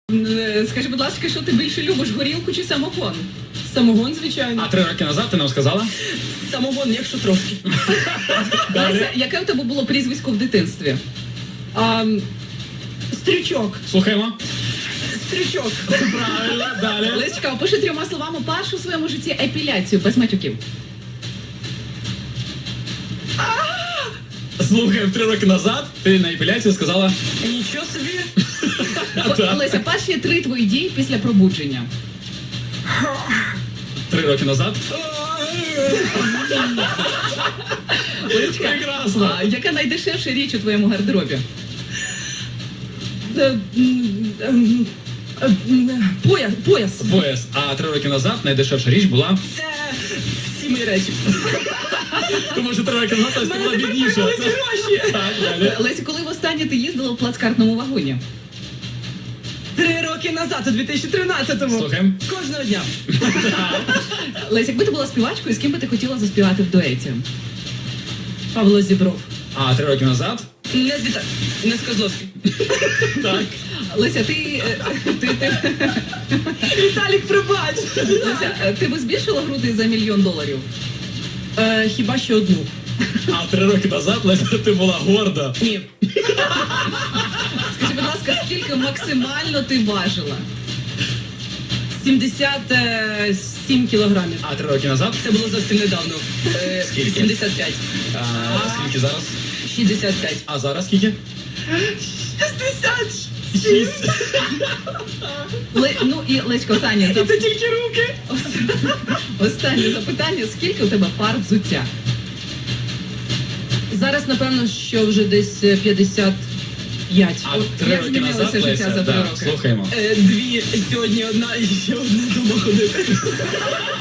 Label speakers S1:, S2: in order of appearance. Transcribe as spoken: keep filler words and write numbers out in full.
S1: Е, Скажи, будь ласка, що ти більше любиш, горілку чи самогон?
S2: Самогон, звичайно.
S3: А три роки назад ти нам сказала?
S2: Самогон, якщо трошки.
S1: Леся, яке у тебе було прізвисько в дитинстві?
S2: А, стрючок.
S3: Слухаємо.
S2: Стрючок.
S3: Правильно, далі.
S1: Лесечка, опиши трьома словами першу в своєму житті епіляцію без матюків.
S3: Слухаємо, три роки назад ти на епіляцію сказала...
S2: Нічого собі.
S3: Так.
S1: Леся, перші три твої дії після пробудження.
S3: Три роки назад.
S1: Лесечка,
S3: Прекрасно.
S1: а яка найдешевша річ у твоєму гардеробі?
S2: Е, м, ем, е, м, Пояс. Пояс.
S3: Пояс. А три роки назад найдешевша річ була...
S2: Це всі мої речі.
S3: Тому що три роки назад
S2: У
S3: ти
S2: мене
S3: була
S2: тепер
S3: бідніша.
S2: появились гроші.
S3: Так, далі.
S1: Леся, коли востаннє ти їздила в плацкартному вагоні?
S2: Три роки назад, у дві тисячі тринадцятому.
S3: Слухаємо.
S2: Кожного дня.
S1: Леся, якби ти була співачкою, з ким би ти хотіла заспівати в дуеті?
S2: Павло Зібров.
S3: А три роки назад?
S2: Не з Віта... Не з Козловським.
S3: Так.
S1: Леся, ти, е, ти, ти,
S2: Віталік, пробач.
S1: Леся, е, ти би збільшила груди за мільйон доларів?
S2: Е, хіба що одну.
S3: А три роки назад, Леся, ти була горда.
S2: Ні.
S1: Скажи, будь ласка, скільки максимально ти важила?
S2: сімдесят сім кілограмів.
S3: А три роки назад?
S2: Це було зовсім недавно. Е,
S3: Скільки?
S2: вісімдесят п'ять.
S3: А, скільки зараз?
S2: шістдесят п'ять.
S3: А зараз скільки?
S2: шістдесят.
S3: Шість.
S1: Ле, ну і Лесько, останнє, зап...
S2: Це тільки руки.
S1: останнє запитання. Скільки у тебе пар взуття?
S2: Зараз, напевно, що вже десь е, п'ятдесят п'ять.
S3: А
S1: От
S3: три
S1: як
S3: роки
S1: змінилося
S3: назад,
S1: життя
S3: Леся,
S1: за три
S3: да,
S1: роки?
S3: слухаємо.
S2: Е, Дві, сьогодні одна і ще одна дома ходити.